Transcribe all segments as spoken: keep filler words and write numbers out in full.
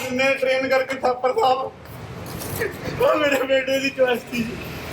महीने ट्रेन करके थापर साहब वो मेरे बेटे की चॉइस थी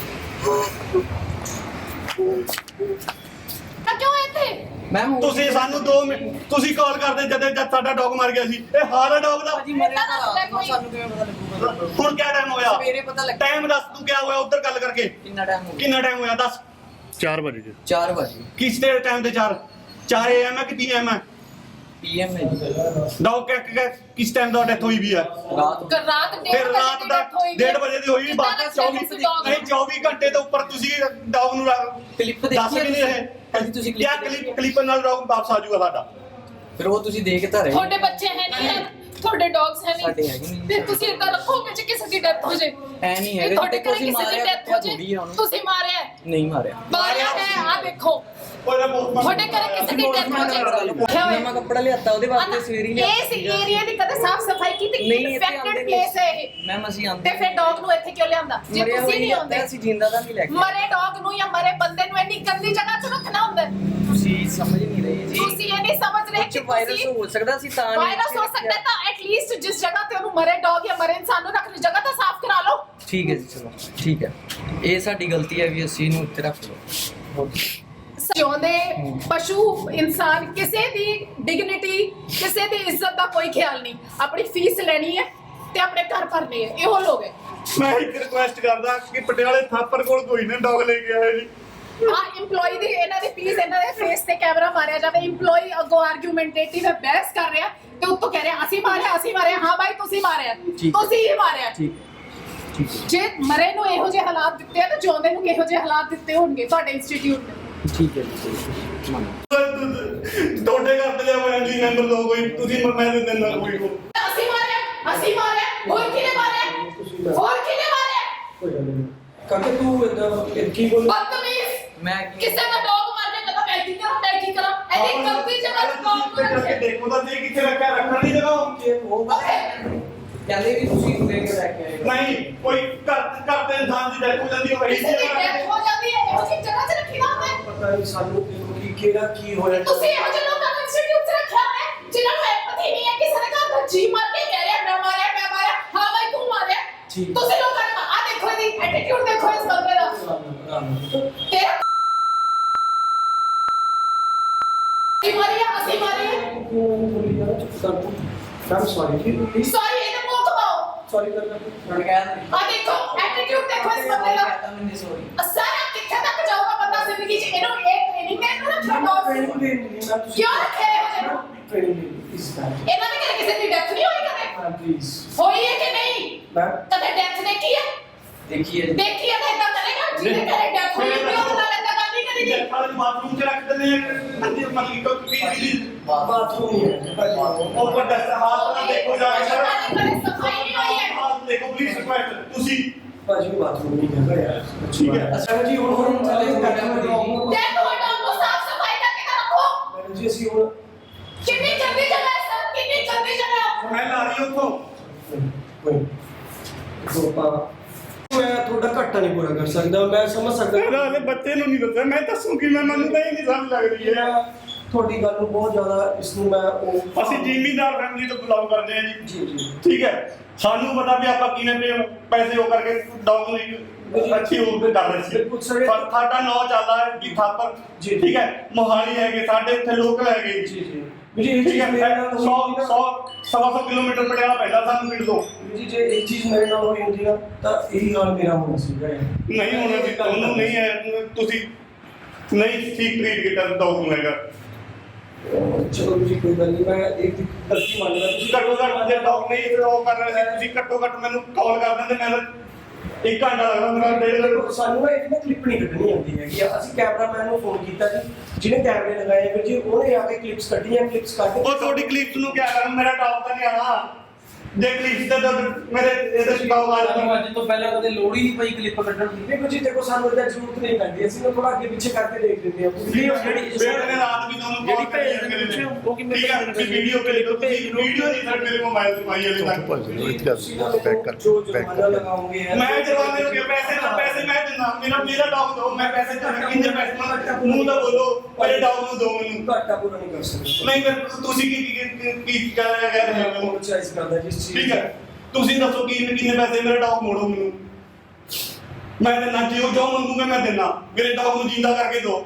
क्यों ਇੱਥੇ मैम ਤੁਸੀਂ ਸਾਨੂੰ दो ਮਿੰਟ ਤੁਸੀਂ ਕਾਲ ਕਰਦੇ ਜਦ ਜਦ ਸਾਡਾ ਡੌਗ ਮਰ ਗਿਆ ਸੀ ਇਹ ਹਾਰਾ ਡੌਗ ਦਾ जी मरे तो सानू किवें पता लगूगा ਹੁਣ ਕਿਆ ਟਾਈਮ ਹੋਇਆ सवेरे पता लग ਟਾਈਮ ਦੱਸ ਤੂੰ ਕਿਆ ਹੋਇਆ ਉੱਧਰ ਗੱਲ ਕਰਕੇ कितना टाइम हो गया ਕਿੰਨਾ ਟਾਈਮ ਹੋਇਆ ਦੱਸ चार बजे चार बजे ਕਿਸ ਦੇ ਟਾਈਮ ਤੇ ਚਾਰ ਚਾਰ ਏ ਐਮ ਹੈ ਕਿ ਪੀ ਐਮ ਹੈ पीएम में ਡੌਗ ਕਿਸ ਟਾਈਮ ਦਾ ਡੈਥ ਹੋਈ ਵੀ ਹੈ रात ਕਰ ਰਾਤ ਡੇਢ ਫਿਰ ਰਾਤ ਦਾ ਡੇਢ ਵਜੇ ਦੀ ਹੋਈ ਬਾਤ ਚੌਵੀ ਨਹੀਂ ਚੌਵੀ ਘੰਟੇ ਤੋਂ ਉੱਪਰ ਤੁਸੀਂ ਡੌਗ ਨੂੰ ਕਲਿੱਪ ਦੱਸ ਦੇਖੀ ਵੀ ਨਹੀਂ ਰਹੇ ਕਦੀ ਤੁਸੀਂ ਕਿਆ ਕਲਿੱਪ ਕਲਿੱਪ ਨਾਲ ਡੌਗ ਵਾਪਸ ਆ ਜਾਊਗਾ ਸਾਡਾ ਫਿਰ ਉਹ ਤੁਸੀਂ ਦੇਖ ਤਾਂ ਰਹੇ ਤੁਹਾਡੇ ਬੱਚੇ ਹੈ ਨਹੀਂ ਹੈ ਤੁਹਾਡੇ ਡੌਗਸ ਹੈ ਸਾਡੇ ਨਹੀਂ ਹੈਗੇ ਨਹੀਂ ਫਿਰ ਤੁਸੀਂ ਇਦਾਂ ਰੱਖੋਗੇ ਜੇ ਕਿਸੇ ਦੀ ਡੈਥ ਹੋ ਜੇ ਐ ਨਹੀਂ ਹੈਗਾ ਤੁਹਾਡੇ ਘਰੇ ਤੁਸੀਂ ਕਿਸੇ ਦੀ ਮਾਰਿਆ ਡੈਥ ਹੋ ਥੋੜੀ ਜੇ ਆ ਉਹਨੂੰ ਤੁਸੀਂ ਮਾਰਿਆ ਹੈ। ਨਹੀਂ ਮਾਰਿਆ ਮਾਰਿਆ ਹੈ ਆ ਦੇਖੋ ਉਹਦਾ ਬਹੁਤ ਤੁਹਾਡੇ ਘਰੇ ਕਿਸੇ ਦੀ ਡੈਥ ਹੋ ਜੇ ਨਵਾਂ ਕੱਪੜਾ ਲਿਆਤਾ ਉਹਦੇ ਵਾਸਤੇ ਸਵੇਰੀ ਲਿਆ ਇਸ ਏਰੀਆ ਦੀ ਕਦੇ ਸਾਫ ਸਫਾਈ ਕੀਤੀ ਨਹੀਂ ਇੱਥੇ ਇਨਫੈਕਟਡ ਆਉਂਦੇ ਪਲੇਸ ਹੈ ਇਹ ਮੈਮ ਅਸੀਂ ਆਂਦੇ ਤੇ ਫਿਰ ਡੌਗ ਨੂੰ ਇੱਥੇ ਕਿਉਂ ਲਿਆਂਦਾ ਜੇ ਮਰਿਆ ਤੁਸੀਂ ਨਹੀਂ ਹੋਇਆ ਆਉਂਦੇ ਅਸੀਂ ਜਿੰਦਾ ਦਾ ਨਹੀਂ ਲੈ ਕੇ ਮਰੇ ਡੌਗ ਨੂੰ ਜਾਂ ਮਰੇ ਬੰਦੇ ਨੂੰ ਇੰਨੀ ਗੰਦੀ ਜਗ੍ਹਾ 'ਚ ਰੱਖਣਾ ਹੁੰਦਾ ਹੈ। ਤੁਸੀਂ ਸਮਝ ਨਹੀਂ ਰਹੇ ਜੀ ਤੁਸੀਂ ਇਹ ਨਹੀਂ ਸਮਝ ਰਹੇ ਕੁਝ ਕਿ ਵਾਇਰਸ ਤੁਸੀਂ ਹੋ ਸਕਦਾ ਸੀ ਤਾਂ ਨਹੀਂ ਵਾਇਰਸ ਹੋ ਸਕਦਾ ਹੈ ਤਾਂ ਐਟਲੀਸਟ ਜਿਸ ਜਗ੍ਹਾ ਤੇ ਉਹਨੂੰ ਮਰੇ ਡੌਗ ਜਾਂ ਮਰੇ ਇਨਸਾਨ ਨੂੰ ਰੱਖਣੀ ਜਗ੍ਹਾ ਤਾਂ ਸਾਫ਼ ਕਰਾ ਲਓ ਠੀਕ ਹੈ ਜੀ ਚਲੋ ਠੀਕ ਹੈ ਇਹ ਸਾਡੀ ਗਲਤੀ ਹੈ ਵੀ ਅਸੀਂ ਇਹਨੂੰ ਉੱਤੇ ਰੱਖ ਲਓ ਜਿਉਂਦੇ ਪਸ਼ੂ ਇਨਸਾਨ ਕਿਸੇ ਦੀ ਡਿਗਨਿਟੀ ਕਿਸੇ ਦੀ ਇੱਜ਼ਤ ਦਾ ਕੋਈ ਖਿਆਲ ਨਹੀਂ ਆਪਣੀ ਫੀਸ ਲੈਣੀ ਹੈ ਤੇ ਆਪਣੇ ਘਰ ਭਰਨੇ ਹੈ ਇਹੋ ਲੋਕ ਹੈ ਮੈਂ ਇੱਕ ਰਿਕੁਐਸਟ ਕਰਦਾ ਕਿ ਪਟਿਆਲੇ ਥਾਪਰ ਕੋਲ ਕੋਈ ਨਾ ਡੌਗ ਲੈ ਕੇ ਆਇਆ ਜੀ ਆ EMPLOYE ਦੀ ਇਹਨਾਂ ਦੀ ਪਲੀਜ਼ ਇਹਨਾਂ ਦੇ ਫੇਸ ਤੇ ਕੈਮਰਾ ਮਾਰਿਆ ਜਾਵੇ EMPLOYE ਅੱਗੋਂ ਆਰਗੂਮੈਂਟੇਟਿਵ ਹੈ ਬਹਿਸ ਕਰ ਰਿਹਾ ਤੇ ਉੱਤੋਂ ਕਹਿ ਰਿਹਾ ਅਸੀਂ ਮਾਰਿਆ ਅਸੀਂ ਮਾਰਿਆ ਹਾਂ ਬਾਈ ਤੁਸੀਂ ਮਾਰਿਆ ਤੁਸੀਂ ਹੀ ਮਾਰਿਆ ਠੀਕ ਠੀਕ ਜੇ ਮਰੇ ਨੂੰ ਇਹੋ ਜਿਹੇ ਹਾਲਾਤ ਦਿੱਤੇ ਆ ਤਾਂ ਜਿਉਂਦੇ ਨੂੰ ਕਿਹੋ ਜਿਹੇ ਹਾਲਾਤ ਦਿੱਤੇ ਹੋਣਗੇ ਤੁਹਾਡੇ ਇੰਸਟੀਚਿਊਟ ਨੇ ਠੀਕ ਹੈ ਜੀ ਮੰਨੋ ਤੁਹਾਡੇ ਘਰ ਤੇ ਲਿਆ ਫੈਮਿਲੀ ਮੈਂਬਰ ਦੋ ਕੋਈ ਤੁਸੀਂ ਮੈਂ ਦੇ ਦਿੰਦਾ ਕੋਈ ਕੋ ਅਸੀਂ ਮਾਰਿਆ ਅਸੀਂ ਮਾਰਿਆ ਹੋਰ ਕਿਹਨੇ ਮਾਰਿਆ ਹੋਰ ਕਿਹਨੇ ਮਾਰਿਆ ਕਾਕੇ ਤੂੰ ਇਦਾਂ ਕੀ ਬੋਲ ਬਦਤਮੀਜ਼ ਮੈਂ ਕਿਸੇ ਦਾ ਡੌਗ ਮਾਰ ਕੇ ਕਦੋਂ ਮੈਂ ਕੀ ਕਰਾਂ ਮੈਂ ਕੀ ਕਰਾਂ ਇਹਦੀ ਗਲਤੀ ਜਗ੍ਹਾ ਤੇ ਕੌਣ ਕਰਕੇ ਦੇਖੋ ਤਾਂ ਸਹੀ ਕਿੱਥੇ ਰੱਖਿਆ ਰੱਖਣ ਦੀ ਜਗ੍ਹਾ ਉਹ ਕਹਿੰਦੇ ਵੀ ਤੁਸੀਂ ਲੈ ਕੇ ਲੈ ਕੇ ਆਏ ਨਹੀਂ ਕੋਈ ਘਰ ਘਰ ਦੇ ਇਨਸਾਨ ਦੀ ਡੈਥ ਹੋ ਜਾਂਦੀ ਹੈ ਵਹੀ ਕਿਸੇ ਦੀ ਡੈਥ ਹੋ ਜਾਂਦੀ ਹੈ ਇਹੋ ਜਿਹੀ ਜਗ੍ਹਾ 'ਚ ਰੱਖੀ ਨਾ ਹੁੰਦਾ ਹੈ। ਪਤਾ ਨਹੀਂ ਸਾਨੂੰ ਕੀ ਕਿਹੜਾ ਕੀ ਹੋਇਆ ਤੁਸੀਂ ਇਹੋ ਜਿਹੇ ਲੋਕਾਂ ਨੂੰ ਇੰਸਟੀਚਿਊਟ 'ਚ ਰੱਖਿਆ ਹੈ ਜਿਨ੍ਹਾਂ ਨੂੰ ਐਪਥੀ ਨਹੀਂ ਹੈ ਕਿਸੇ ਦੇ ਘਰ ਦਾ ਜੀ ਮਾਰ ਕੇ ਕਹਿ ਰਿਹਾ ਮੈਂ ਮਾਰਿਆ ਮੈਂ ਮਾਰਿਆ ਹਾਂ ਬਾਈ ਤੂੰ ਮਾਰਿਆ ਠੀਕ। ਤੁਸੀਂ ਲੋਕਾਂ ਨੇ ਆ ਦੇਖੋ ਇਹਦੀ ਐਟੀਟਿਊਡ ਦੇਖੋ ਇਸ ਬੰਦੇ ਦਾ ਤੇਰਾ ਅਸੀਂ ਮਾਰਿਆ ਅਸੀਂ ਮਾਰਿਆ I'm sorry please ਸੌਰੀ ਇਹਦੇ ਮੂੰਹ ਕਮਾਓ sorry ਕਰਨਾ ਹੁਣ ਕਹਿ ਆ ਦੇਖੋ ਐਟੀਟਿਊਡ ਦੇਖੋ ਇਸ ਬੰਦੇ ਦਾ ਕਹਤਾ ਮੈਂ ਨਹੀਂ ਸੌਰੀ ਸਾਰਾ ਕਿੱਥੇ ਤੱਕ ਜਾਊਗਾ ਬੰਦਾ ਜ਼ਿੰਦਗੀ 'ਚ ਇਹਨੂੰ ਇਹ ਟ੍ਰੇਨਿੰਗ ਦੇ ਇਹਨੂੰ ਰੱਖਿਆ ਡੌਗ training ਦੇ ਨਹੀਂ ਮੈਂ ਤੁਸੀਂ ਕਿਉਂ ਰੱਖਿਆ ਇਹੋ ਜਿਹੇ ਨੂੰ? training ਦੇ ਇਸ ਬਾਰੇ ਇਹਨਾਂ ਦੇ ਘਰੇ ਕਿਸੇ ਦੀ ਡੈਥ ਨਹੀਂ ਹੋਈ ਕਦੇ ਮੈਂ ਪਲੀਜ਼ ਹੋਈ ਹੈ ਕਿ ਨਹੀਂ ਮੈਂ ਕਦੇ ਡੈਥ ਦੇਖੀ ਹੈ ਦੇਖੀਏ ਦੇਖੀ ਹੈ ਤਾਂ ਇਦਾਂ ਕਰੇਗਾ ਜਿਹਦੇ ਘਰੇ ਡੈਥ ਹੋਈ ਹੈ ਉਹਦੇ ਨਾਲ ਇਦਾਂ ਗੱਲ ਨਹੀਂ ਕਰੀਦੀ ਡੈਥ ਵਾਲੇ ਬਾਥਰੂਮ 'ਚ ਰੱਖ ਦਿੰਦੇ ਆ ਅੰਦਰ ਮਤਲਬ ਕੋਈ ਵੀ ਬਾਥਰੂਮ ਹੀ ਹੈ ਉੱਪਰ ਦਸ ਹਾथ ਨਾਲ ਦੇਖੋ ਜਾ ਕੇ ਸਾਡੇ ਘਰੇ ਸਫਾਈ ਨਹੀਂ ਹੋਈ ਹੈ ਹਾथ ਦੇਖੋ ਪਲੀਜ਼ ਰਿਕੁਐਸਟ ਤੁਸੀਂ ਭਾਜੀ ਬਾਥਰੂਮ ਨਹੀਂ ਕਰ ਰਿਹਾ ਯਾਰ ਠੀਕ ਹੈ ਅੱਛਾ ਜੀ ਹੁਣ ਹੁਣ ਚੱਲੇ ਦੇਖੋ ਡੌਗ ਨੂੰ ਸਾਫ ਸਫਾਈ ਕਰਕੇ ਤਾਂ ਰੱਖੋ ਮੈਡਮ ਜੀ ਅਸੀਂ ਹੁਣ ਕਿੰਨੀ ਗੰਦੀ ਜਗ੍ਹਾ ਹੈ ਸਰ ਕਿੰਨੀ ਗੰਦੀ ਜਗ੍ਹਾ ਹੈ ਮੈਂ ਲਾ ਰਹੀ ਉੱਥੋਂ ਕੋਈ ਦੋਪਾ ਮੈਂ ਤੁਹਾਡਾ ਘਾਟਾ ਨਹੀਂ ਪੂਰਾ ਕਰ ਸਕਦਾ ਮੈਂ ਸਮਝ ਸਕਦਾ ਇਹਦਾ ਹਲੇ ਬੱਚੇ ਨੂੰ ਨਹੀਂ ਦੱਸਿਆ ਮੈਂ ਦੱਸੂ ਕਿ ਮੈਂ ਮੈਨੂੰ ਤਾਂ ਇਹ ਨਹੀਂ ਸਮਝ ਲੱਗ ਰਹੀ ਹੈ ਮੈਂ ਤੁਹਾਡੀ ਗੱਲ ਨੂੰ ਬਹੁਤ ਜ਼ਿਆਦਾ ਇਸ ਨੂੰ ਮੈਂ ਉਹ ਅਸੀਂ ਜ਼ਿਮੀਂਦਾਰ ਫੈਮਿਲੀ ਤੋਂ ਬਿਲੋਂਗ ਕਰਦੇ ਹਾਂ ਜੀ ਜੀ ਜੀ ਠੀਕ ਹੈ ਸਾਨੂੰ ਪਤਾ ਵੀ ਆਪਾਂ ਕਿਵੇਂ ਪੇ ਪੈਸੇ ਉਹ ਕਰਕੇ ਡੌਗ ਨੂੰ ਇੱਕ ਅੱਛੀ ਉਹ ਤੇ ਕਰ ਰਹੇ ਸੀ ਬਿਲਕੁਲ ਸਰ। ਪਰ ਸਾਡਾ ਨੌ ਚੱਲਦਾ ਹੈ ਵੀ ਥਾਪਰ ਜੀ। ਠੀਕ ਹੈ ਮੋਹਾਲੀ ਹੈਗੇ ਸਾਡੇ ਇੱਥੇ ਲੋਕਲ ਹੈਗੇ ਜੀ ਜੀ ਜੀ ਇਹ ਠੀਕ ਚੀਜ਼ ਹੈ ਮੇਰੇ ਨਾਲ ਸੌ ਹੋਈ ਸੌ ਸਵਾ ਸੌ ਕਿਲੋਮੀਟਰ ਪਟਿਆਲਾ ਪੈਂਦਾ ਸਾਨੂੰ ਪਿੰਡ ਤੋਂ ਜੀ ਜੇ ਇਹ ਚੀਜ਼ ਮੇਰੇ ਨਾਲ ਹੋਈ ਹੁੰਦੀ ਨਾ ਤਾਂ ਇਹੀ ਹਾਲ ਮੇਰਾ ਹੋਣਾ ਸੀਗਾ ਯਾਰ। ਨਹੀਂ ਹੋਣਾ ਸੀ ਤੁਹਾਨੂੰ ਨਹੀਂ ਹੈ ਤੁਸੀਂ ਨਹੀਂ ਠੀਕ ਟ੍ਰੀਟ ਕੀਤਾ ਡੌਗ ਨੂੰ ਹੈਗਾ ਚਲੋ ਜੀ ਕੋਈ ਗੱਲ ਨਹੀਂ ਮੈਂ ਇੱਕ ਗਲਤੀ ਮੰਨ ਲਿਆ ਤੁਸੀਂ ਘੱਟੋ ਘੱਟ ਜੇ ਡੌਗ ਨਹੀਂ ਫਿਰ ਉਹ ਕਰ ਰਹੇ ਸੀ ਤੁਸੀਂ ਘੱਟੋ ਘੱਟ ਮੈਨੂੰ ਕਾਲ ਕਰ ਦਿੰਦੇ ਮੈਂ ਤਾਂ ਇੱਕ ਘੰਟਾ ਲੱਗਦਾ ਮੇਰਾ ਡੇਢ ਘੰਟਾ ਸਾਨੂੰ ਨਾ ਇਹਦੀ ਨਾ ਕਲਿੱਪ ਨਹੀਂ ਕੱਢਣੀ ਆਉਂਦੀ ਹੈਗੀ ਆ। ਅਸੀਂ ਕੈਮਰਾਮੈਨ ਨੂੰ ਫੋਨ ਕੀਤਾ ਜੀ ਜਿਹਨੇ ਕੈਮਰੇ ਲਗਾਏ ਫਿਰ ਜੀ ਉਹਨੇ ਆ ਕੇ ਕਲਿੱਪਸ ਕੱਢੀਆਂ ਕਲਿੱਪਸ ਕੱਢ ਉਹ ਤੁਹਾਡੀ ਕਲਿੱਪ ਨੂੰ ਕਿਆ ਕਰਾਂ ਮੇਰਾ ਡੌਗ ਤਾਂ ਨਹੀਂ ਆਣਾ ਜੇ ਕਲਿੱਪ ਤੇ ਤਾਂ ਮੇਰੇ ਇਹਦੇ ਸ਼ਿਕਾਉ ਆ ਜਾਣਾ ਅੱਜ ਤੋਂ ਪਹਿਲਾਂ ਕਦੇ ਲੋੜ ਹੀ ਨਹੀਂ ਪਈ ਕਲਿੱਪ ਕੱਢਣ ਦੀ ਦੇਖੋ ਜੀ ਦੇਖੋ ਸਾਨੂੰ ਇਹਦਾ ਜ਼ਰੂਰਤ ਨਹੀਂ ਪੈਂਦੀ ਅਸੀਂ ਨਾ ਥੋੜਾ ਅੱਗੇ ਪਿੱਛੇ ਕਰਕੇ ਦੇਖ ਦਿੰਦੇ ਹਾਂ ਵੀਡੀਓ ਜਿਹੜੀ ਬੇਟੇ ਨੇ ਰਾਤ ਵੀ ਤੁਹਾਨੂੰ ਜਿਹੜੀ ਕਾਲ ਕਰੀ ਭੇਜ ਮੇਰੇ ਦਿੰਦੇ ਨੇ ਉਹ ਕਿਵੇਂ ਠੀਕ ਹੈ ਤੁਸੀਂ ਵੀਡੀਓ ਕੇ ਲਿਖੋ ਤੁਸੀਂ ਵੀਡੀਓ ਨਹੀਂ ਸਰ ਮੇਰੇ ਮੋਬਾਈਲ ਤੇ ਪਾਈ ਹਲੇ ਤੱਕ ਬੈਕ ਕਰ ਜੋ ਜੁਰਮਾਨਾ ਲਗਾਉਂਗੇ ਮੈਂ ਜਵਾਬ ਦੇ ਪੈਸੇ ਨਾ ਪੈਸੇ ਮੈਂ ਦਿੰਦਾ ਮੇਰਾ ਮੇਰਾ ਡੌਗ ਦੋ ਮੈਂ ਪੈਸੇ ਚਾਹਾਂ ਕਿੰਨੇ ਪੈਸੇ ਮੰਗਦਾ ਮੂੰਹ ਦਾ ਬੋਲੋ ਮੇਰੇ ਡੌਗ ਨੂੰ ਦੋ ਮੈਨੂੰ ਘਾਟਾ ਪੂਰਾ ਨਹੀਂ ਕਰ ਸਕਦੇ ਨਹੀਂ ਫਿਰ ਤੁਸੀਂ ਕੀ ਕੀ ਕੀ ਕਰ ਰਹੇ ਹੋ ਮੈਂ ਚਾਹੀਸ ਕਰਦਾ ਜਿਸ ਠੀਕ ਹੈ, ਤੁਸੀਂ ਦੱਸੋ ਕੀ ਕਿੰਨੇ ਪੈਸੇ ਮੇਰੇ ਡੌਗ ਮੋੜੋ ਮੈਨੂੰ। ਮੈਂ ਦੇਣਾ ਜਿਉਂ ਜੋ ਮੰਗੂਗਾ ਮੈਂ ਦੇਣਾ, ਮੇਰੇ ਡੌਗ ਨੂੰ ਜਿੰਦਾ ਕਰਕੇ ਦਿਓ।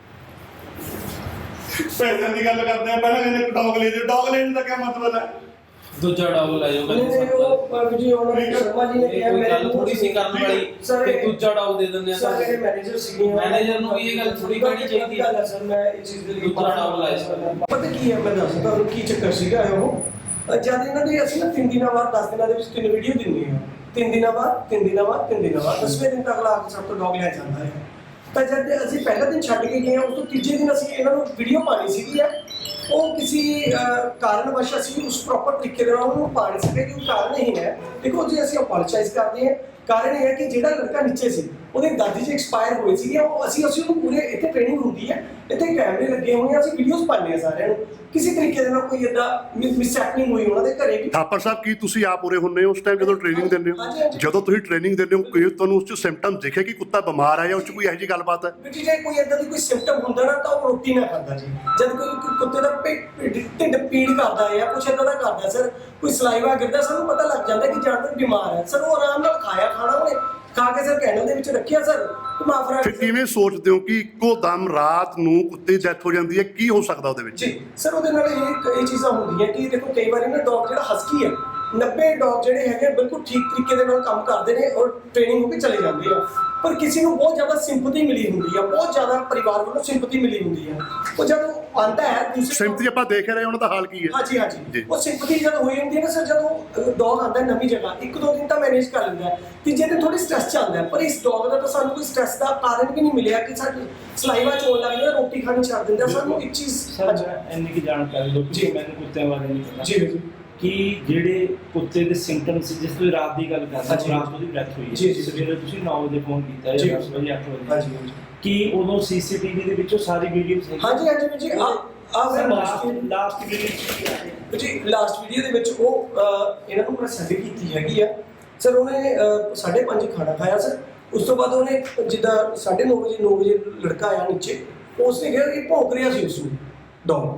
ਪੈਸਿਆਂ ਦੀ ਗੱਲ ਕਰਦੇ ਆ, ਪਹਿਲਾਂ ਕਹਿੰਦੇ ਡੌਗ ਲੈ ਦਿਓ, ਡੌਗ ਲੈਣ ਦਾ ਕੀ ਮਤਲਬ ਹੈ? ਦੂਜਾ ਡੌਗ ਲੈ ਜਾਓ ਨਹੀਂ ਨਹੀਂ ਉਹ ਜੀ ਉਹਨਾਂ ਨੇ ਸ਼ਰਮਾ ਜੀ ਨੇ ਕਿਹਾ ਕੋਈ ਮੇਰੇ ਗੱਲ ਨੂੰ ਥੋੜੀ ਸੀ ਕਰਨ ਵਾਲੀ ਸਰ ਕਿ ਦੂਜਾ ਡੌਗ ਦੇ ਦਿੰਦੇ ਆ ਸਰ ਮੇਰੇ ਮੈਨੇਜਰ ਸੀਗੇ ਮੈਨੇਜਰ ਨੂੰ ਵੀ ਇਹ ਗੱਲ ਥੋੜੀ ਕਹਿਣੀ ਚਾਹੀਦੀ ਹੈ ਸਰ। ਮੈਂ ਇਹ ਚੀਜ਼ ਦੇ ਲਈ ਦੂਜਾ ਡੌਗ ਲਾਇਆ ਸੀ। ਪਤਾ ਕੀ ਹੈ, ਮੈਂ ਦੱਸਦਾ ਤੁਹਾਨੂੰ ਕੀ ਚੱਕਰ ਸੀਗਾ ਉਹ ਜਦ ਇਹਨਾਂ ਦੇ ਅਸੀਂ ਨਾ ਤਿੰਨ ਦਿਨਾਂ ਬਾਅਦ ਦਸ ਦਿਨਾਂ ਦੇ ਵਿੱਚ ਤਿੰਨ ਵੀਡੀਓ ਦਿੰਦੇ ਹਾਂ, ਤਿੰਨ ਦਿਨਾਂ ਬਾਅਦ ਤਿੰਨ ਦਿਨਾਂ ਬਾਅਦ ਤਿੰਨ ਦਿਨਾਂ ਬਾਅਦ ਦਸਵੇਂ ਦਿਨ ਤੱਕ ਅਗਲਾ ਆ ਕੇ ਸਭ ਤੋਂ ਡੌਗ ਲੈ ਜਾਂਦਾ ਹੈ। ਤਾਂ ਜਦ ਅਸੀਂ ਪਹਿਲਾ ਦਿਨ ਛੱਡ ਕੇ ਗਏ ਹਾਂ, ਉਸ ਤੋਂ ਤੀਜੇ ਦਿਨ ਅਸੀਂ ਇਹਨਾਂ ਨੂੰ ਵੀਡੀਓ ਪਾਣੀ ਸੀਗੀ ਹੈ, ਉਹ ਕਿਸੇ ਕਾਰਨ ਵਸ਼ ਅਸੀਂ ਉਸ ਪ੍ਰੋਪਰ ਤਰੀਕੇ ਦੇ ਨਾਲ ਉਹਨੂੰ ਪਾ ਨਹੀਂ ਸਕੇ। ਕਿ ਕਾਰਨ ਇਹ ਹੈ, ਦੇਖੋ ਜੀ ਅਸੀਂ ਅਪੋਲੋਜਾਈਜ਼ ਕਰਦੇ ਹਾਂ। ਕਾਰਨ ਇਹ ਹੈ ਕਿ ਜਿਹੜਾ ਲੜਕਾ ਨੀਚੇ ਸੀ ਉਹਦੇ ਦਾਦੀ ਜੀ ਐਕਸਪਾਇਰ ਹੋਏ ਸੀਗੇ, ਉਹ ਅਸੀਂ ਅਸੀਂ ਉਹਨੂੰ ਪੂਰੇ ਇੱਥੇ ਟ੍ਰੇਨਿੰਗ ਹੁੰਦੀ ਹੈ, ਇੱਥੇ ਕੈਮਰੇ ਲੱਗੇ ਹੋਏ ਆ, ਅਸੀਂ ਵੀਡੀਓਜ਼ ਪਾਉਂਦੇ ਆ ਸਾਰਿਆਂ ਨੂੰ। ਕਿਸੇ ਤਰੀਕੇ ਦੇ ਨਾਲ ਕੋਈ ਏਦਾਂ ਮਿਸਹੈਪਨਿੰਗ ਹੋਈ ਉਹਨਾਂ ਦੇ ਘਰੇ ਵੀ। ਥਾਪਰ ਸਾਹਿਬ ਕੀ ਤੁਸੀਂ ਆਪ ਉਰੇ ਹੁੰਦੇ ਹੋ ਉਸ ਟਾਈਮ ਜਦੋਂ ਟ੍ਰੇਨਿੰਗ ਦਿੰਦੇ ਹਾਂਜੀ, ਹੋ? ਹਾਂਜੀ। ਜਦੋਂ ਤੁਸੀਂ ਟ੍ਰੇਨਿੰਗ ਦਿੰਦੇ ਹੋ ਕੋਈ ਤੁਹਾਨੂੰ ਉਸ ਚ ਸਿੰਪਟਮ ਦਿਖੇ ਕਿ ਕੁੱਤਾ ਬਿਮਾਰ ਹੈ ਜਾਂ ਉਸ ਚ ਕੋਈ ਇਹੋ ਜਿਹੀ ਗੱਲਬਾਤ ਹੈ? ਵੀ ਜੇ ਕੋਈ ਏਦਾਂ ਦੀ ਕੋਈ ਸਿੰਪਟਮ ਹੁੰਦਾ ਨਾ ਤਾਂ ਉਹ ਰੋਟੀ ਨਾ ਖਾਂਦਾ ਜੀ। ਜਦ ਕੋਈ ਕੋਈ ਕੁੱਤੇ ਦਾ ਪੇਟ ਢਿੱਡ ਪੀੜ ਕਰਦਾ ਹੈ ਜਾਂ ਕੁਛ ਏਦਾਂ ਦਾ ਕਰਦਾ ਸਰ, ਕੋਈ ਸਲਾਈਵਾ ਗਿਰਦਾ, ਸਾਨੂੰ ਪਤਾ ਲੱਗ ਜਾਂਦਾ ਕਿ ਜਾਨਵਰ ਬਿਮਾਰ ਹੈ ਸਰ। ਉਹ ਆਰਾਮ ਨਾਲ ਖਾਇਆ ਖਾਣਾ ਉਹਨੇ ਖਾ ਕੇ ਸਰ ਕੈਨਲ ਦੇ ਵਿੱਚ ਰੱਖਿਆ ਸਰ। ਮਾਫਰਾ ਫਿਰ ਕਿਵੇਂ ਸੋਚਦੇ ਹੋ ਕਿ ਇੱਕੋ ਦਮ ਰਾਤ ਨੂੰ ਕੁੱਤੇ ਦੀ ਡੈਥ ਹੋ ਜਾਂਦੀ ਹੈ? ਕੀ ਹੋ ਸਕਦਾ ਉਹਦੇ ਵਿੱਚ? ਜੀ ਸਰ ਉਹਦੇ ਨਾਲ ਇਹ ਇਹ ਚੀਜ਼ਾਂ ਹੁੰਦੀਆਂ ਕਿ ਦੇਖੋ ਕਈ ਵਾਰੀ ਨਾ ਡੌਗ ਜਿਹੜਾ ਹਸਕੀ ਹੈ, ਨੱਬੇ ਡੌਗ ਜਿਹੜੇ ਹੈਗੇ ਬਿਲਕੁਲ ਠੀਕ ਤਰੀਕੇ ਦੇ ਨਾਲ ਕੰਮ ਕਰਦੇ ਨੇ ਔਰ ਟ੍ਰੇਨਿੰਗ ਹੋ ਕੇ ਚਲੇ ਜਾਂਦੇ ਆ। ਪਰ ਕਿਸੇ ਨੂੰ ਬਹੁਤ ਜ਼ਿਆਦਾ ਸਿੰਪਥੀ ਮਿਲੀ ਹੁੰਦੀ ਆ, ਬਹੁਤ ਜ਼ਿਆਦਾ ਪਰਿਵਾਰ ਵੱਲੋਂ ਸਿੰਪਥੀ ਮਿਲੀ ਹੁੰਦੀ ਆ। ਉਹ ਜਦੋਂ ਆਉਂਦਾ ਹੈ ਦੂਸਰੇ ਸਿੰਪਥੀ ਆਪਾਂ ਦੇਖ ਰਹੇ ਉਹਨਾਂ ਦਾ ਹਾਲ ਕੀ ਹੈ। ਹਾਂਜੀ ਹਾਂਜੀ ਉਹ ਸਿੰਪਥੀ ਜਦ ਹੋਈ ਹੁੰਦੀ ਹੈ ਨਾ ਸਰ, ਜਦੋਂ ਡੌਗ ਆਉਂਦਾ ਨਵੀਂ ਜਗ੍ਹਾ ਇੱਕ ਦੋ ਦਿਨ ਤਾਂ ਮੈਨੇਜ ਕਰ ਲੈਂਦਾ ਹੈ, ਤੀਜੇ ਦਿਨ ਥੋੜੀ ਸਟ੍ਰੈਸ ਚ ਆਉਂਦਾ ਹੈ। ਪਰ ਇਸ ਡੌਗ ਦਾ ਤਾਂ ਸਾਨੂੰ ਕੋਈ ਸਟ੍ਰੈਸ ਦਾ ਕਾਰਨ ਵੀ ਨਹੀਂ ਮਿਲਿਆ ਕਿ ਸਾਡੀ ਸਲਾਈਵਾ ਚੋਣ ਲੱਗ ਜਾਂਦਾ, ਰੋਟੀ ਖਾਣੀ ਛੱਡ ਦਿੰਦਾ ਸਾਨੂੰ ਇੱਕ ਚੀਜ਼। ਸਰ ਮੈਂ ਇੰਨੀ ਕੀ ਜਾਣਕਾਰੀ ਦਿਓ ਕਿ ਮੈਨੂੰ ਕੁੱਤਿਆਂ ਬਾਰੇ ਨਹੀਂ ਪਤਾ ਜੀ ਜੀ ਕਿ ਜਿਹੜੇ ਕੁੱਤੇ ਦੇ ਸਿੰਪਟਮਸ ਜਿਸ ਤੋਂ ਰਾਤ ਦੀ ਗੱਲ ਕਰਦੇ ਹਾਂਜੀ। ਰਾਤ ਉਹਦੀ ਡੈਥ ਹੋਈ ਜੀ, ਹੈ ਜੀ। ਸਵੇਰੇ ਤੁਸੀਂ ਨੌ ਵਜੇ ਫੋਨ ਕੀਤਾ ਜੀ। ਜਾਂ ਦਸ ਵਜੇ ਅੱਠ ਵਜੇ ਹਾਂਜੀ ਹਾਂਜੀ ਕਿ ਉਦੋਂ ਸੀਸੀਟੀਵੀ ਦੇ ਵਿੱਚੋਂ ਸਾਰੀ ਵੀਡੀਓਜ਼ ਹੈ? ਹਾਂਜੀ ਹਾਂਜੀ ਜੀ ਆ ਆ ਸਰ ਮੈਂ ਲਾਸਟ ਲਾਸਟ ਵੀਡੀਓ ਜੀ ਲਾਸਟ ਵੀਡੀਓ ਦੇ ਵਿੱਚ ਉਹ ਅਹ, ਇਹਨਾਂ ਨੂੰ ਮੈਂ ਸੈਂਡ ਕੀਤੀ ਹੈਗੀ ਆ ਸਰ। ਉਹਨੇ ਅਹ, ਸਾਢੇ ਪੰਜ ਖਾਣਾ ਖਾਇਆ ਸਰ। ਉਸ ਤੋਂ ਬਾਅਦ ਉਹਨੇ ਜਿੱਦਾਂ ਸਾਢੇ ਨੌ ਵਜੇ ਨੌ ਵਜੇ ਲੜਕਾ ਆਇਆ ਨੀਚੇ, ਉਸਨੇ ਕਿਹਾ ਕਿ ਭੌਂਕ ਰਿਹਾ ਸੀ ਉਸਨੂੰ ਡੌਗ।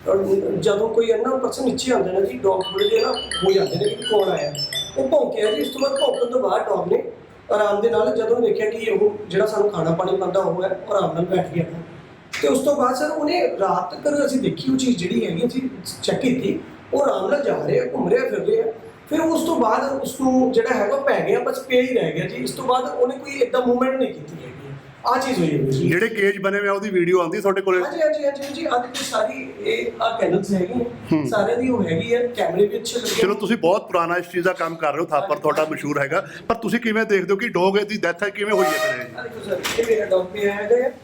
ਜਦੋਂ ਕੋਈ ਅੰਨਾ ਪਰਸਨ ਨੀਚੇ ਆਉਂਦਾ ਨਾ ਜੀ, ਡੌਗ ਥੋੜੇ ਜਿਹੇ ਨਾ ਹੋ ਜਾਂਦੇ ਨੇ ਕਿ ਕੌਣ ਆਇਆ। ਉਹ ਭੌਂਕਿਆ ਜੀ। ਉਸ ਤੋਂ ਬਾਅਦ ਭੌਂਕਣ ਤੋਂ ਬਾਅਦ ਡੌਗ ਨੇ ਆਰਾਮ ਦੇ ਨਾਲ ਜਦੋਂ ਦੇਖਿਆ ਕਿ ਉਹ ਜਿਹੜਾ ਸਾਨੂੰ ਖਾਣਾ ਪਾਣੀ ਪਾਉਂਦਾ ਉਹ ਹੈ, ਆਰਾਮ ਨਾਲ ਬੈਠ ਗਿਆ। ਤੇ ਉਸ ਤੋਂ ਬਾਅਦ ਸਰ ਉਹਨੇ ਰਾਤ ਤੱਕ ਅਸੀਂ ਦੇਖੀ ਉਹ ਚੀਜ਼ ਜਿਹੜੀ ਹੈਗੀ ਅਸੀਂ ਚੈੱਕ ਕੀਤੀ, ਉਹ ਆਰਾਮ ਨਾਲ ਜਾ ਰਿਹਾ, ਘੁੰਮ ਰਿਹਾ, ਫਿਰ ਰਿਹਾ। ਫਿਰ ਉਸ ਤੋਂ ਬਾਅਦ ਉਸ ਨੂੰ ਜਿਹੜਾ ਹੈਗਾ ਪੈ ਗਿਆ, ਬਸ ਪਿਆ ਹੀ ਰਹਿ ਗਿਆ ਜੀ। ਇਸ ਤੋਂ ਬਾਅਦ ਉਹਨੇ ਕੋਈ ਏਦਾਂ ਮੂਵਮੈਂਟ ਨਹੀਂ ਕੀਤੀ ਹੈਗੀ। ਆ ਚੀਜ਼ ਹੋਈ ਹੈ ਜੀ। ਜਿਹੜੇ ਕੇਜ ਬਣੇ ਹੋਏ ਆ ਉਹਦੀ ਵੀਡੀਓ ਆਉਂਦੀ ਤੁਹਾਡੇ ਕੋਲੇ? ਹਾਂਜੀ ਹਾਂਜੀ ਹਾਂਜੀ ਜੀ ਅੱਜ ਤੇ ਸਾਰੀ ਇਹ ਆ ਕੈਨਲਸ ਹੈਗੀ ਸਾਰੇ ਦੀ ਉਹ ਹੈਗੀ ਹੈ, ਕੈਮਰੇ ਵੀ ਅੱਛੇ ਲੱਗੇ। ਚਲੋ ਤੁਸੀਂ ਬਹੁਤ ਪੁਰਾਣਾ ਇਸ ਚੀਜ਼ ਦਾ ਕੰਮ ਕਰ ਰਹੇ ਹੋ, ਥਾਪਰ ਤੁਹਾਡਾ ਮਸ਼ਹੂਰ ਹੈਗਾ, ਪਰ ਤੁਸੀਂ ਕਿਵੇਂ ਦੇਖਦੇ ਹੋ ਕਿ ਡੌਗ ਦੀ ਡੈਥ ਹੈ ਕਿਵੇਂ ਹੋਈ ਹੈ ਫਿਰ ਇਹ? ਆ ਦੇਖੋ ਸਰ, ਇਹ ਮੇਰਾ ਡੌਗ ਵੀ ਹੈਗਾ ਹੈ।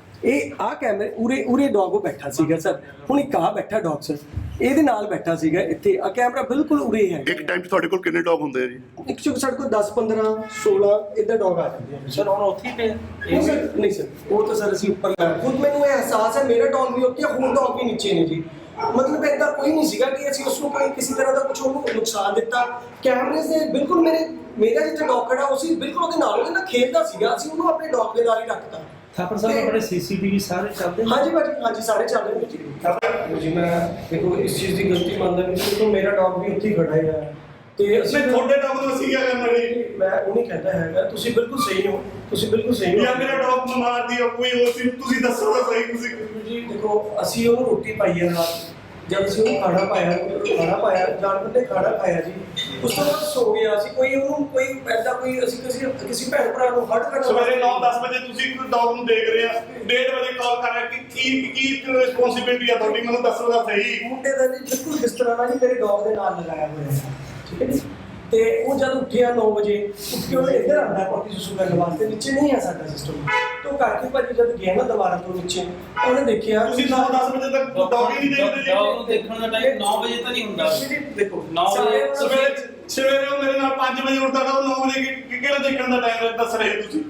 ਇਹ ਆ ਕੈਮਰੇ ਉਰੇ ਉਰੇ ਡੌਗ ਬੈਠਾ ਸੀਗਾ ਸਰ। ਹੁਣ ਇੱਕ ਆ ਬੈਠਾ ਡੌਗ ਸਰ, ਇਹਦੇ ਨਾਲ ਬੈਠਾ ਸੀਗਾ ਇੱਥੇ। ਆ ਕੈਮਰਾ ਬਿਲਕੁਲ ਉਰੇ ਹੈ। ਇੱਕ ਟਾਈਮ 'ਚ ਤੁਹਾਡੇ ਕੋਲ ਕਿੰਨੇ ਡੌਗ ਹੁੰਦੇ ਆ ਜੀ? ਇੱਕ ਚੁੱਕ ਸਾਡੇ ਕੋਲ ਦਸ ਪੰਦਰਾਂ ਸੋਲਾਂ ਇਦਾਂ ਡੌਗ ਆ ਜਾਂਦੇ ਆ ਸਰ ਹੁਣ ਉੱਥੇ ਹੀ ਪਿਆ ਨਹੀਂ ਸਰ, ਨਹੀਂ ਸਰ, ਉਹ ਤਾਂ ਸਰ ਅਸੀਂ ਉੱਪਰ ਲਾਇਆ। ਖੁਦ ਮੈਨੂੰ ਇਹ ਅਹਿਸਾਸ ਹੈ ਮੇਰਾ ਡੌਗ ਵੀ ਉੱਤੇ, ਹੋਰ ਡੌਗ ਵੀ ਨੀਚੇ ਨੇ ਜੀ। ਮਤਲਬ ਏਦਾਂ ਕੋਈ ਨਹੀਂ ਸੀਗਾ ਕਿ ਅਸੀਂ ਉਸ ਨੂੰ ਕੋਈ ਕਿਸੇ ਤਰ੍ਹਾਂ ਦਾ ਕੁਝ ਉਹਨੂੰ ਨੁਕਸਾਨ ਦਿੱਤਾ। ਕੈਮਰੇ ਦੇ ਬਿਲਕੁਲ ਮੇਰੇ ਮੇਰਾ ਜਿੱਥੇ ਡੌਗ ਖੜਾ ਉਹ ਸੀ ਬਿਲਕੁਲ ਉਹਦੇ ਨਾਲ, ਉਹਦੇ ਨਾਲ ਖੇਡਦਾ ਸੀਗਾ। ਅਸੀਂ ਉਹਨੂੰ ਆਪਣੇ ਡੌਗ ਦੇ ਨਾਲ ਹੀ ਰੱਖਤਾ। ਥਾਪਰ ਸਾਹਿਬ ਆਪਣੇ ਸੀਸੀਟੀਵੀ ਸਾਰੇ ਚੱਲਦੇ ਨੇ? ਹਾਂਜੀ ਭਾਜੀ, ਹਾਂਜੀ ਸਾਰੇ ਚੱਲ ਰਹੇ ਨੇ ਜੀ। ਜੀ ਮੈਂ ਦੇਖੋ ਇਸ ਚੀਜ਼ ਦੀ ਗਲਤੀ ਮੰਨਦਾ ਵੀ ਕਿਉਂਕਿ ਮੇਰਾ ਡੌਗ ਵੀ ਉੱਥੇ ਹੀ ਖੜਾ ਹੈ ਤੇ ਅਸੀਂ ਮੈਂ ਤੁਹਾਡੇ ਡੌਗ ਨੂੰ ਅਸੀਂ ਕੀ ਕਰਨਾ ਜੀ? ਮੈਂ ਉਹ ਨਹੀਂ ਕਹਿੰਦਾ ਹੈਗਾ, ਤੁਸੀਂ ਬਿਲਕੁਲ ਸਹੀ ਹੋ, ਤੁਸੀਂ ਬਿਲਕੁਲ ਸਹੀ ਹੋ। ਜਾਂ ਮੇਰਾ ਡੌਗ ਬਿਮਾਰ ਦੀ ਕੋਈ ਹੋਰ ਸੀ, ਤੁਸੀਂ ਦੱਸੋ ਤਾਂ ਸਹੀ। ਤੁਸੀਂ ਜੀ ਦੇਖੋ ਅਸੀਂ ਉਹਨੂੰ ਰੋਟੀ ਪਾਈ ਹੈ ਰਾਤ, ਜਦ ਅਸੀਂ ਉਹਨੂੰ ਖਾਣਾ ਪਾਇਆ ਖਾਣਾ ਪਾਇਆ ਜਾਨਵਰ ਨੇ ਖਾਣਾ ਖਾਇਆ ਜੀ। ਉਸ ਤੋਂ ਬਾਅਦ ਸੋ ਗਿਆ। ਅਸੀਂ ਕੋਈ ਉਹਨੂੰ ਕੋਈ ਐਦਾਂ ਕੋਈ ਅਸੀਂ ਕਿਸੇ ਕਿਸੇ ਭੈਣ ਭਰਾ ਨੂੰ ਹੱਟ ਕਰਨਾ ਸਵੇਰੇ ਨੌ ਦਸ ਵਜੇ ਤੁਸੀਂ ਡੌਗ ਨੂੰ ਦੇਖ ਰਹੇ ਆ, ਡੇਢ ਵਜੇ ਕਾਲ ਕਰ ਰਿਹਾ ਕਿ ਕੀ ਕੀ ਰਿਸਪੌਂਸਿਬਿਲਟੀ ਆ ਤੁਹਾਡੀ, ਮੈਨੂੰ ਦੱਸੋ ਤਾਂ ਸਹੀ। ਮੁੰਡੇ ਦਾ ਜੀ ਬਿਲਕੁਲ ਇਸ ਤਰ੍ਹਾਂ ਨਾਲ ਜੀ ਮੇਰੇ ਡੌਗ ਦੇ ਨਾਲ ਲਗਾਇਆ ਹੋਇਆ ਹੈ, ਠੀਕ ਹੈ ਜੀ। ਤੇ ਉਹ ਜਦ ਉੱਠਿਆ ਨੌ ਵਜੇ ਉੱਠ ਕੇ ਉਹ ਇੱਧਰ ਆਉਂਦਾ ਪੋਟੀ ਸੁਸੂ ਕਰਨ ਵਾਸਤੇ, ਨੀਚੇ ਨਹੀਂ ਆ ਸਾਡਾ ਸਿਸਟਮ। ਤੋਂ ਕਾਕੀ ਭਾਜੀ ਜਦ ਗਿਆ ਨਾ ਦੁਬਾਰਾ ਤੋਂ ਨੀਚੇ, ਉਹਨੇ ਦੇਖਿਆ ਤੁਸੀਂ ਨੌ ਦਸ ਵਜੇ ਤੱਕ ਡੌਗ ਹੀ ਨਹੀਂ ਦੇਖਦੇ ਜੀ। ਡੌਗ ਨੂੰ ਦੇਖਣ ਦਾ ਟਾਈਮ ਨੌ ਵਜੇ ਤਾਂ ਨਹੀਂ ਹੁੰਦਾ। ਦੇਖੋ ਨੌ ਵਜੇ ਸਵੇਰੇ ਸਵੇਰੇ ਉਹ ਮੇਰੇ ਨਾਲ ਪੰਜ ਵਜੇ ਉੱਠਦਾ ਤਾਂ ਉਹ ਨੌ ਵਜੇ ਕਿ- ਕਿਹੜਾ ਦੇਖਣ ਦਾ ਟਾਈਮ ਦੱਸ ਰਹੇ ਤੁਸੀਂ?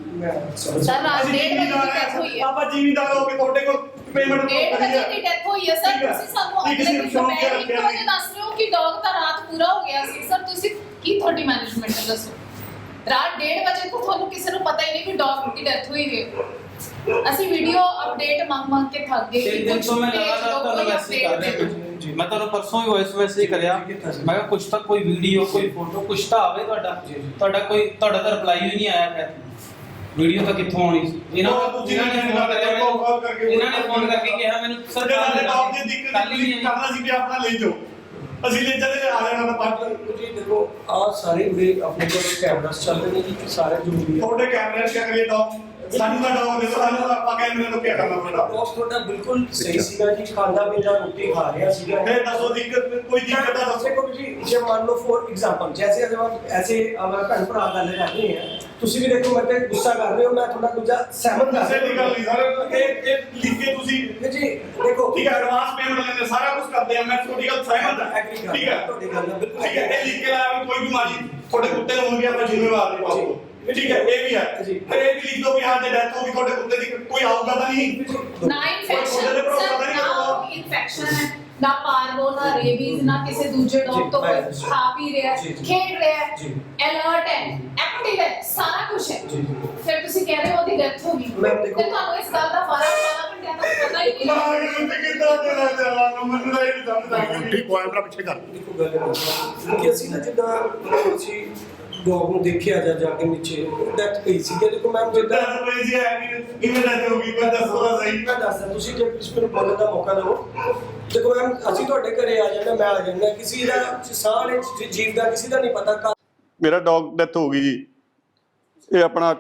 ਸਰ ਰਾਤ ਡੇਢ ਵਜੇ ਦੀ ਡੈਥ ਹੋਈ ਹੈ। ਆਪਾਂ ਜ਼ਿਮੀਂਦਾਰ ਹੋ ਕੇ ਤੁਹਾਡੇ ਕੋਲ ਪੇਮੈਂਟ ਡੇਢ ਵਜੇ ਦੀ ਡੈਥ ਹੋਈ ਹੈ ਸਰ। ਤੁਸੀਂ ਸਾਨੂੰ ਨਹੀਂ, ਕਿਸੇ ਅਗਲੇ ਨੂੰ ਦਿਨ ਸ਼ੌਂਕ ਦੁਪਹਿਰ ਰੱਖਿਆ ਇੱਕ ਵਜੇ ਦੱਸ ਰਹੇ ਹੋ ਕਿ ਡੌਗ ਤਾਂ ਰਾਤ ਪੂਰਾ ਹੋ ਗਿਆ ਸੀ। ਸਰ ਤੁਸੀਂ ਕੀ ਤੁਹਾਡੀ ਮੈਨੇਜਮੈਂਟ ਹੈ ਦੱਸੋ? ਰਾਤ ਡੇਢ ਵਜੇ ਤੋਂ ਤੁਹਾਨੂੰ ਕਿਸੇ ਨੂੰ ਪਤਾ ਹੀ ਨਹੀਂ ਕਿ ਡੌਗ ਦੀ ਡੈਥ ਹੋਈ ਹੈ। ਅਸੀਂ ਵੀਡੀਓ ਅਪਡੇਟ ਮੰਗ ਮੰਗ ਕੇ ਥੱਕ ਗਏ ਤਿੰਨ ਦਿਨ ਤੋਂ ਮੈਂ ਲਗਾਤਾਰ ਤੁਹਾਨੂੰ ਮੈਸੇਜ ਕਰ ਰਿਹਾ। ਜੀ। ਮੈਂ ਤੁਹਾਨੂੰ ਪਰਸੋਂ ਹੀ ਵੌਇਸ ਮੈਸੇਜ ਕਰਿਆ, ਜੀ, ਕੀਤਾ ਸੀ। ਮੈਂ ਕਿਹਾ ਕੁਛ ਤਾਂ ਕੋਈ ਵੀਡੀਓ ਕੋਈ ਫੋਟੋ ਕੁਛ ਤਾਂ ਆਵੇ ਤੁਹਾਡਾ ਜੀ, ਜੀ। ਤੁਹਾਡਾ ਕੋਈ ਤੁਹਾਡਾ ਤਾਂ ਰਿਪਲਾਈ ਹੀ ਨਹੀਂ ਆਇਆ ਖੈਰ ਵੀਡੀਓ ਤਾਂ ਕਿੱਥੋਂ ਆਉਣੀ ਸੀ। ਇਹਨਾਂ ਉਹ ਤੁਸੀਂ ਇਹਨਾਂ ਨੇ ਫੋਨ ਕਰਿਆ ਮੈਨੂੰ ਕਾਲ ਕਰਕੇ ਮੈਨੂੰ ਇਹਨਾਂ ਨੇ ਫੋਨ ਕਰਕੇ ਕਿਹਾ ਮੈਨੂੰ ਸਰ ਸਾਡੇ ਸਾਡੇ ਡੌਗ ਦੀ ਦਿੱਕਤ ਕੱਲ੍ਹ ਹੀ ਨਹੀਂ ਕਰਨਾ ਸੀ ਕਿ ਆਪਣਾ ਲੈ ਜਾਓ, ਅਸੀਂ ਲੈ ਜਾਂਦੇ ਆ ਜਾਣਾ ਤਾਂ ਪੰਜ ਜੀ ਦੇਖੋ ਆ ਸਾਰੇ ਉਰੇ ਆਪਣੇ ਕੋਲ ਕੈਮਰਾਸ ਚੱਲ ਰਹੇ ਨੇ ਜੀ ਸਾਰੇ ਜੋ ਵੀ ਹੈ ਤੁਹਾਡੇ ਕੈਮਰੇ ਚ ਕਰੀਏ ਡੌਗ ਸਾਨੂੰ ਤਾਂ ਡੌਗ ਦੇ ਸਾਨੂੰ ਤਾਂ ਆਪਾਂ ਕੈਮਰੇ ਨੂੰ ਕੀ ਕਰਨਾ ਪੈਂਦਾ। ਬੌਸ ਤੁਹਾਡਾ ਬਿਲਕੁਲ ਸਹੀ ਸੀਗਾ ਜੀ, ਖਾਂਦਾ ਪੀਂਦਾ ਰੋਟੀ ਖਾ ਰਿਹਾ ਸੀਗਾ। फिर दसो दिक्कत कोई दिक्कत है दसो। देखो जी ਜੇ ਮੰਨ ਲਓ ਫॉर एग्जांपल जैसे अगर हम ऐसे हमारे भैन भरा गल कर रहे हैं, ਤੁਸੀਂ ਵੀ ਦੇਖੋ ਮੈਂ ਤੇ ਗੁੱਸਾ ਕਰ ਰਹੇ ਹੋ, ਮੈਂ ਥੋੜਾ ਦੂਜਾ ਸਹਿਮਤ ਕਰ ਕਿਸੇ ਦੀ ਗੱਲ ਨਹੀਂ ਸਰ, ਇਹ ਇਹ ਲਿਖ ਕੇ ਤੁਸੀਂ ਜੀ ਦੇਖੋ ਠੀਕ ਹੈ ਐਡਵਾਂਸ ਪੇਮੈਂਟ ਲੈਂਦੇ ਸਾਰਾ ਕੁਝ ਕਰਦੇ ਆ, ਮੈਂ ਤੁਹਾਡੀ ਗੱਲ ਸਹਿਮਤ ਹਾਂ ਐਗਰੀ ਕਰ ਠੀਕ ਹੈ ਤੁਹਾਡੀ ਗੱਲ ਨਾਲ ਬਿਲਕੁਲ ਠੀਕ ਹੈ। ਇਹ ਲਿਖ ਕੇ ਲਾਇਆ ਵੀ ਕੋਈ ਬਿਮਾਰੀ ਤੁਹਾਡੇ ਕੁੱਤੇ ਨੂੰ ਹੋਊਗੀ ਆਪਾਂ ਜ਼ਿੰਮੇਵਾਰ ਨਹੀਂ ਪਾਉਂਗੇ ਠੀਕ ਹੈ, ਇਹ ਵੀ ਹੈ। ਜੀ। ਫਿਰ ਇਹ ਵੀ ਲਿਖ ਦੋ ਵੀ ਹਾਂ ਜੇ ਡੈਥ ਹੋ ਗਈ ਤੁਹਾਡੇ ਕੁੱਤੇ ਦੀ ਕੋਈ ਆਊਗਾ ਤਾਂ ਨਹੀਂ ਨਾ ਇਨਫੈਕਸ਼ਨ ਨਾ ਇਨਫੈਕਸ਼ਨ ਹੈ, ਨਾ ਪਾਰਵੋ, ਨਾ ਰੇਬੀਜ਼, ਨਾ ਕਿਸੇ ਦੂਜੇ ਡੌਗ ਤੋਂ ਕੋਈ ਖਾ ਪੀ ਰਿਹਾ ਜੀ, ਜੀ। ਖੇਡ ਰਿਹਾ ਜੀ। ਅਲਰਟ ਹੈ, ਐਕਟਿਵ ਹੈ, ਸਾਰਾ ਕੁਝ ਹੈ। ਜੀ। ਫਿਰ ਤੁਸੀਂ ਕਹਿ ਰਹੇ ਹੋ ਉਹਦੀ ਡੈਥ ਹੋ ਗਈ, ਮੈਂ ਦੇਖੋ- ਤੇ ਤੁਹਾਨੂੰ ਇਸ ਗੱਲ ਦਾ ਬਾਰਾਂ ਬਾਰਾਂ ਘੰਟਿਆਂ ਤੱਕ ਪਤਾ ਹੀ ਨਹੀਂ ਹੈ। ਮਾਂ ਨੂੰ ਕਿੱਦਾਂ ਦੇਣਾ ਚਾਹਾਂ ਨੂੰ ਮੈਨੂੰ ਤਾਂ ਇਹ ਨਹੀਂ ਸਮਝ ਆਉਂਦੀ। ਠੀਕ ਪੁਆਇੰਟ ਦਾ ਪਿੱਛੇ ਕਰ। ਦੇਖੋ ਗੱਲ ਹੈ ਕਿ ਅਸੀਂ ਨਾ ਜਿੱਦਾਂ ਅਸੀਂ ਡੌਗ ਨੂੰ ਦੇਖਿਆ ਜਾ ਜਾ ਕੇ ਨੀਚੇ ਡੈਥ ਪਈ ਸੀ। ਦੇਖੋ ਮੈਮ ਜਿੱਦਾਂ ਜਿੱਦਾਂ ਕੋਈ ਜੀ ਹੈ ਕਿ ਕਿਵੇਂ ਡੈਥ ਹੋ ਗਈ ਕੋਈ ਦੱਸੋ ਤਾਂ ਸਹੀ। ਮੈਂ ਦੱਸਦਾ, ਤੁਸੀਂ ਜੇ ਤੁਸੀਂ ਮੈਨੂੰ ਬੋਲਣ ਦਾ ਮੌਕਾ ਦਿਓ। ਦੇਖੋ ਮੈਮ ਅਸੀਂ ਤੁਹਾਡੇ ਘਰੇ ਆ ਜਾਣਾ, ਮੈਂ ਆ ਜਾਣਾ, ਕਿਸੇ ਦਾ ਸਾਹ ਵਾਲੇ ਜੀਵ ਦਾ ਕਿਸੇ ਦਾ ਨਹੀਂ ਪਤਾ ਕਦ ਮੇਰਾ ਡੌਗ ਡੈਥ ਹੋ ਗਈ ਜੀ। ਇਹ ਆਪਣਾ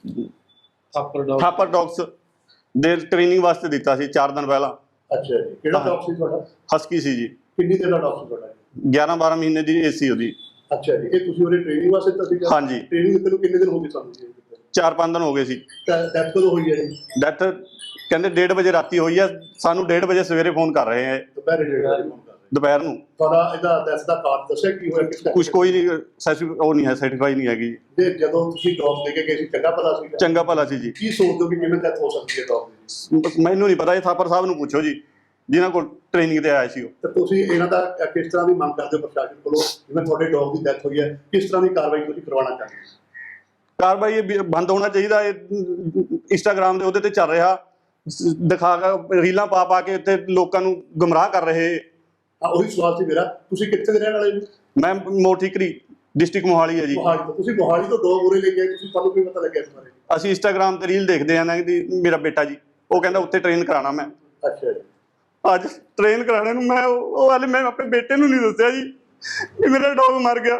ਥਾਪਰ ਡੌਗ ਥਾਪਰ ਡੌਗਸ ਦੇ ਟ੍ਰੇਨਿੰਗ ਵਾਸਤੇ ਦਿੱਤਾ ਸੀ ਚਾਰ ਦਿਨ ਪਹਿਲਾਂ। ਅੱਛਾ ਜੀ, ਕਿਹੜਾ ਡੌਗ ਸੀ ਤੁਹਾਡਾ? ਹਸਕੀ ਸੀ ਜੀ, ਕਿੰਨੀ ਦੇਰ ਦਾ ਡੌਗ ਸੀ ਤੁਹਾਡਾ? ਗਿਆਰਾਂ ਬਾਰਾਂ ਮਹੀਨੇ ਦੀ ਏਜ ਸੀ ਉਹਦੀ। ਅੱਛਾ ਜੀ, ਇਹ ਤੁਸੀਂ ਉਹਦੇ ਟ੍ਰੇਨਿੰਗ ਵਾਸਤੇ ਦਿੱਤਾ ਸੀਗਾ? ਹਾਂਜੀ। ਟ੍ਰੇਨਿੰਗ ਦਿੱਤੇ ਨੂੰ ਕਿੰਨੇ ਦਿਨ ਹੋ ਗਏ ਸਾਨੂੰ ਜੀ? ਚਾਰ ਪੰਜ ਦਿਨ ਹੋ ਗਏ ਸੀ। ਡੈਥ ਕਦੋਂ ਹੋਈ ਹੈ ਜੀ? ਡੈਥ ਕਹਿੰਦੇ ਡੇਢ ਵਜੇ ਰਾਤੀ ਹੋਈ ਆ, ਸਾਨੂੰ ਡੇਢ ਵਜੇ ਸਵੇਰੇ ਫੋਨ ਕਰ ਰਹੇ ਆ ਦੁਪਹਿਰੇ ਡੇਢ ਵਜੇ ਫੋਨ ਕਰ ਰਹੇ। ਦੁਪਹਿਰ ਨੂੰ। ਤੁਹਾਡਾ ਇਹਦਾ ਡੈਥ ਦਾ ਕਾਰਨ ਦੱਸਿਆ ਕੀ ਹੋਇਆ, ਕਿਸ ਕੁਝ ਕੋਈ ਨਹੀਂ ਸਰਟੀਫਿ ਉਹ ਨਹੀਂ ਹੈ, ਸਰਟੀਫਾਈ ਨਹੀਂ ਹੈਗੀ। ਤੇ ਜਦੋਂ ਤੁਸੀਂ ਡੌਗ ਦੇ ਕੇ ਗਏ ਸੀ ਚੰਗਾ ਭਲਾ ਸੀਗਾ? ਚੰਗਾ ਭਲਾ ਸੀ ਜੀ। ਕੀ ਸੋਚਦੇ ਹੋ ਕਿ ਕਿਵੇਂ ਡੈਥ ਹੋ ਸਕਦੀ ਹੈ ਡੌਗ ਦੀ? ਮੈਨੂੰ ਨਹੀਂ ਪਤਾ, ਇਹ ਥਾਪਰ ਸਾਹਿਬ ਨੂੰ ਪੁੱਛੋ ਜੀ ਜਿਨ੍ਹਾਂ ਕੋਲ ਟ੍ਰੇਨਿੰਗ ਤੇ ਆਇਆ ਸੀ ਉਹ। ਤੇ ਤੁਸੀਂ ਇਹਨਾਂ ਦਾ ਕਿਸ ਤਰ੍ਹਾਂ ਦੀ ਮੰਗ ਕਰਦੇ ਹੋ ਪ੍ਰਸ਼ਾਸਨ ਕੋਲੋਂ, ਜਿਵੇਂ ਤੁਹਾਡੇ ਡੌਗ ਦੀ ਡੈਥ ਹੋਈ ਹੈ, ਕਿਸ ਤਰ੍ਹਾਂ ਦੀ ਕਾਰਵਾਈ ਤੁਸੀਂ ਕਰਵਾਉਣਾ ਚਾਹੁੰਦੇ ਹੋ? ਕਾਰਵਾਈ ਇਹ ਵੀ ਬੰਦ ਹੋਣਾ ਚਾਹੀਦਾ। ਇਹ ਇੰਸਟਾਗ੍ਰਾਮ ਦੇ ਉਹਦੇ ਤੇ ਚੱਲ ਰਿਹਾ, ਦਿਖਾ ਕੇ ਰੀਲਾਂ ਪਾ ਪਾ ਕੇ ਇੱਥੇ ਲੋਕਾਂ ਨੂੰ ਗੁੰਮਰਾਹ ਕਰ ਰਹੇ। ਹਾਂ, ਉਹੀ ਸਵਾਲ ਸੀ ਮੇਰਾ। ਤੁਸੀਂ ਕਿੱਥੇ ਦੇ ਰਹਿਣ ਵਾਲੇ ਜੀ? ਮੈਂ ਮੋਠੀਕਰੀ ਡਿਸਟ੍ਰਿਕਟ ਮੋਹਾਲੀ ਹੈ ਜੀ। ਮੋਹਾਲੀ ਤੋਂ। ਤੁਸੀਂ ਮੋਹਾਲੀ ਤੋਂ ਡੌਗ ਉਰੇ ਲੈ ਕੇ ਆਏ, ਤੁਸੀਂ ਤੁਹਾਨੂੰ ਕੀ ਪਤਾ ਲੱਗਿਆ ਇਸ ਬਾਰੇ? ਅਸੀਂ ਇੰਸਟਾਗ੍ਰਾਮ ਤੇ ਰੀਲ ਦੇਖਦੇ ਆ ਨਾ ਕਿ ਮੇਰਾ ਬੇਟਾ ਜੀ ਉਹ ਕਹਿੰਦਾ ਉੱਥੇ ਟ੍ਰੇਨ ਕਰਾਣਾ ਮੈਂ। ਅੱਛਾ ਜੀ। ਅੱਜ ਟ੍ਰੇਨ ਕਰਾਣੇ ਨੂੰ ਮੈਂ ਉਹ ਉਹ ਹਾਲੇ ਮੈਂ ਆਪਣੇ ਬੇਟੇ ਨੂੰ ਨਹੀਂ ਦੱਸਿਆ ਜੀ ਕਿ ਮੇਰਾ ਡੌਗ ਮਰ ਗਿਆ।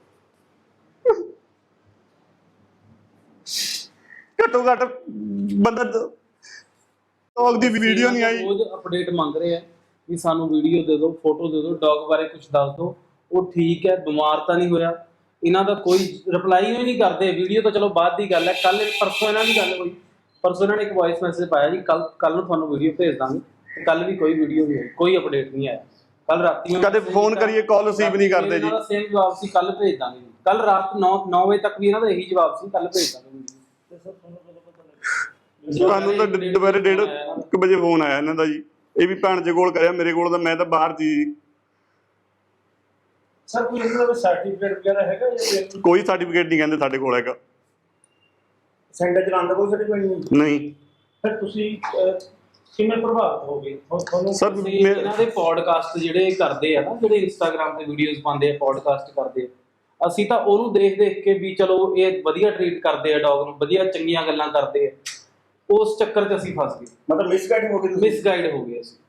ਘੱਟੋ ਘੱਟ ਬੰਦਾ ਡੌਗ ਦੀ ਵੀਡੀਓ ਨਹੀਂ ਆਈ। ਰੋਜ਼ ਅਪਡੇਟ ਮੰਗ ਰਹੇ ਆ ਵੀ ਸਾਨੂੰ ਵੀਡੀਓ ਦੇ ਦਿਓ, ਫੋਟੋ ਦੇ ਦਿਓ, ਡੌਗ ਬਾਰੇ ਕੁਝ ਦੱਸ ਦਿਓ, ਉਹ ਠੀਕ ਹੈ, ਬਿਮਾਰ ਤਾਂ ਨਹੀਂ ਹੋਇਆ। ਇਹਨਾਂ ਦਾ ਕੋਈ ਰਿਪਲਾਈ ਹੀ ਨਹੀਂ ਕਰਦੇ। ਵੀਡੀਓ ਤਾਂ ਚਲੋ ਬਾਅਦ ਦੀ ਗੱਲ ਹੈ। ਕੱਲ ਪਰਸੋਂ ਇਹਨਾਂ ਦੀ ਗੱਲ ਹੋਈ, ਪਰਸੋਂ ਇਹਨਾਂ ਨੇ ਇੱਕ ਵੌਇਸ ਮੈਸੇਜ ਪਾਇਆ ਜੀ ਕੱਲ ਕੱਲ ਨੂੰ ਤੁਹਾਨੂੰ ਵੀਡੀਓ ਭੇਜ ਦਾਂਗੇ। ਕੱਲ ਵੀ ਕੋਈ ਵੀਡੀਓ ਨਹੀਂ ਆਈ, ਕੋਈ ਅਪਡੇਟ ਨਹੀਂ ਆਇਆ। ਕੱਲ ਰਾਤੀ ਕਦੇ ਫੋਨ ਕਰੀਏ ਕਾਲ ਰਿਸੀਵ ਨਹੀਂ ਕਰਦੇ ਜੀ। ਇਹਨਾਂ ਦਾ ਸੇਮ ਜਵਾਬ ਸੀ ਕੱਲ ਭੇਜ ਦਾਂਗੇ। ਕੱਲ ਰਾਤ ਨੌ ਵਜੇ ਤੱਕ ਵੀ ਇਹਨਾਂ ਦਾ ਇਹੀ ਜਵਾਬ ਸੀ ਕੱਲ ਭੇਜ ਦਾਂਗੇ। ਸਾਨੂੰ ਤਾਂ ਦੁਪਹਿਰੇ ਡੇਢ ਕੁ ਵਜੇ ਫੋਨ ਆਇਆ ਇਹਨਾਂ ਦਾ ਜੀ। ਇਹ ਵੀ ਭੈਣ ਦੇ ਕੋਲ ਕਰਿਆ, ਮੇਰੇ ਕੋਲ ਤਾਂ ਮੈਂ ਤਾਂ ਬਾਹਰ ਸੀ। ਸਰ ਕੋਈ ਇਹਨਾਂ ਦਾ ਸਰਟੀਫਿਕੇਟ ਵਗੈਰਾ ਹੈਗਾ ਜਾਂ ਕੋਈ ਸਰਟੀਫਿਕੇਟ ਨਹੀਂ ਕਹਿੰਦੇ ਸਾਡੇ ਕੋਲ ਹੈਗਾ। ਸੈਂਟਰ ਚਲਾਉਣ ਦਾ ਕੋਈ ਸਰਟੀਫਿਕੇਟ ਨਹੀਂ? ਨਹੀਂ ਫਿਰ ਤੁਸੀਂ ਅਹ, ਕਿਵੇਂ ਪ੍ਰਭਾਵਿਤ ਹੋ ਗਏ? ਹੁਣ ਤੁਹਾਨੂੰ ਸਰ ਤੁਸੀਂ ਮੈਂ ਇਹਨਾਂ ਦੇ ਪੋਡਕਾਸਟ ਜਿਹੜੇ ਕਰਦੇ ਆ ਨਾ, ਜਿਹੜੇ ਇੰਸਟਾਗ੍ਰਾਮ ਤੇ ਵੀਡੀਓਜ਼ ਪਾਉਂਦੇ ਆ, ਪੋਡਕਾਸਟ ਕਰਦੇ ਆ, ਅਸੀਂ ਤਾਂ ਉਹਨੂੰ ਦੇਖ ਦੇਖ ਕੇ ਵੀ ਚਲੋ ਇਹ ਵਧੀਆ ਟ੍ਰੀਟ ਕਰਦੇ ਆ ਡੌਗ ਨੂੰ, ਵਧੀਆ ਚੰਗੀਆਂ ਗੱਲਾਂ ਕਰਦੇ ਆ, ਉਸ ਚੱਕਰ 'ਚ ਅਸੀਂ ਫਸ ਗਏ, ਮਤਲਬ ਮਿਸਗਾਈਡ ਹੋ ਗਏ ਤੁਸੀਂ? ਮਿਸਗਾਈਡ ਹੋ ਗਏ ਅਸੀਂ।